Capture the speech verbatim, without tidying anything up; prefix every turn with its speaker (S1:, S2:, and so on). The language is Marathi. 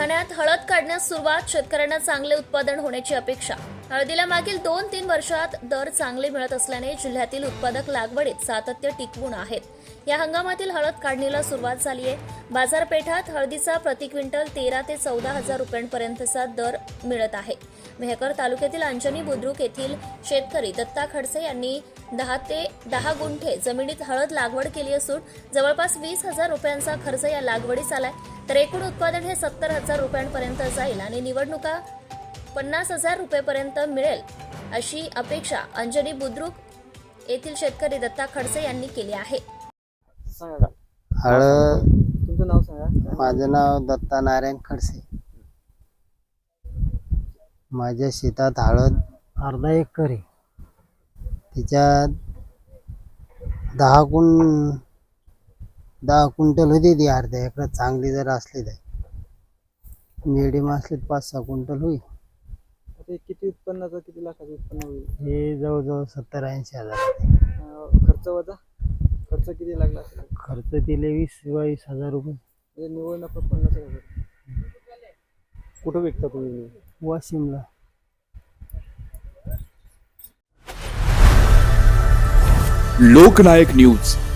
S1: बुलढाण्यात हळद काढण्यास सुरुवात, शेतकऱ्यांना चांगले उत्पादन होण्याची अपेक्षा। हळदीला मागील दोन तीन वर्षात दर चांगले मिळत असल्याने जिल्ह्यातील उत्पादक लागवडीत सातत्य टिकवून आहेत। या हंगामातील हळद काढणीला सुरुवात झाली आहे। बाजारपेठात हळदीचा प्रति क्विंटल तेरा ते चौदा हजार रुपयांपर्यंतचा दर मिळत आहे। मेहकर तालुक्यातील अंजनी बुद्रुक येथील शेतकरी दत्ता खडसे यांनी दहा ते दहा गुंठे जमिनीत हळद लागवड केली असून जवळपास वीस हजार रुपयांचा खर्च या लागवडीस आलाय। तर एकूण उत्पादन हे सत्तर हजार रुपयांपर्यंत जाईल आणि निवडणुका पन्नास हजार रुपयांपर्यंत मिळेल अशी अपेक्षा अंजनी बुद्रुक येथील शेतकरी दत्ता खडसे यांनी केली आहे।
S2: हळद
S3: तुमचं नाव सांगा।
S2: माझं नाव दत्ता नारायण खडसे। माझ्या शेतात हळद अर्धा एकर आहे। त्याच्यात दहा कुं दहा क्विंटल होती ती अर्ध्या एकरात। चांगली जर असली तर मिडियम असली तर पाच सहा क्विंटल होईल।
S3: आता किती उत्पन्नाचं किती लाखाचं उत्पन्न होईल?
S2: हे जवळजवळ सत्तर ऐंशी हजार।
S3: अं, खर्च वजा खर्च किती लागला असेल?
S2: खर्च दिले वीस बावीस हजार रुपये।
S3: म्हणजे निव्वळ नफा पन्नास हजार। कुठं विकता तुम्ही?
S2: वाशिमला।
S4: लोकनायक न्यूज।